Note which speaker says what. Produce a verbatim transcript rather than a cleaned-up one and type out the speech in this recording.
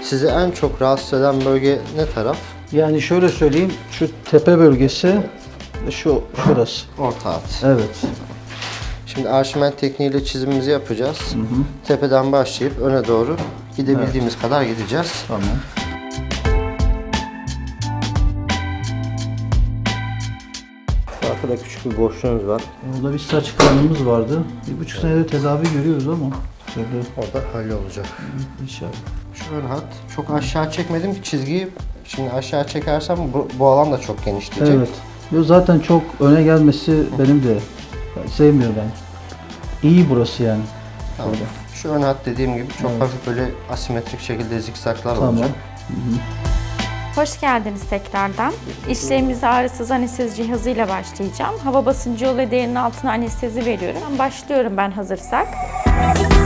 Speaker 1: Sizi en çok rahatsız eden bölge ne taraf?
Speaker 2: Yani şöyle söyleyeyim, şu tepe bölgesi, şu şurası.
Speaker 1: Orta hat.
Speaker 2: Evet.
Speaker 1: Şimdi arşiment tekniğiyle çizimimizi yapacağız.
Speaker 2: Hı hı.
Speaker 1: Tepeden başlayıp öne doğru gidebildiğimiz evet. kadar gideceğiz.
Speaker 2: Tamam.
Speaker 1: Arkada küçük bir boşluğunuz var.
Speaker 2: Orada bir saç kanımız vardı. Bir buçuk senedir tedavi görüyoruz ama. Şöyle.
Speaker 1: Orada hallolacak.
Speaker 2: İnşallah.
Speaker 1: Şu ön hat. Çok aşağı çekmedim ki çizgiyi. Şimdi aşağı çekersem bu, bu alan da çok genişleyecek.
Speaker 2: Evet. Yo, zaten çok öne gelmesi benim de ben sevmiyorum ben. İyi burası yani.
Speaker 1: Tamam. Şu ön hat dediğim gibi çok
Speaker 2: evet.
Speaker 1: hafif böyle asimetrik şekilde zikzaklar
Speaker 2: tamam.
Speaker 1: olacak.
Speaker 2: Hı hı.
Speaker 3: Hoş geldiniz tekrardan. İşlemimize ağrısız anestezi cihazıyla başlayacağım. Hava basıncı yolu ve derinin altına anestezi veriyorum. Başlıyorum ben hazırsak.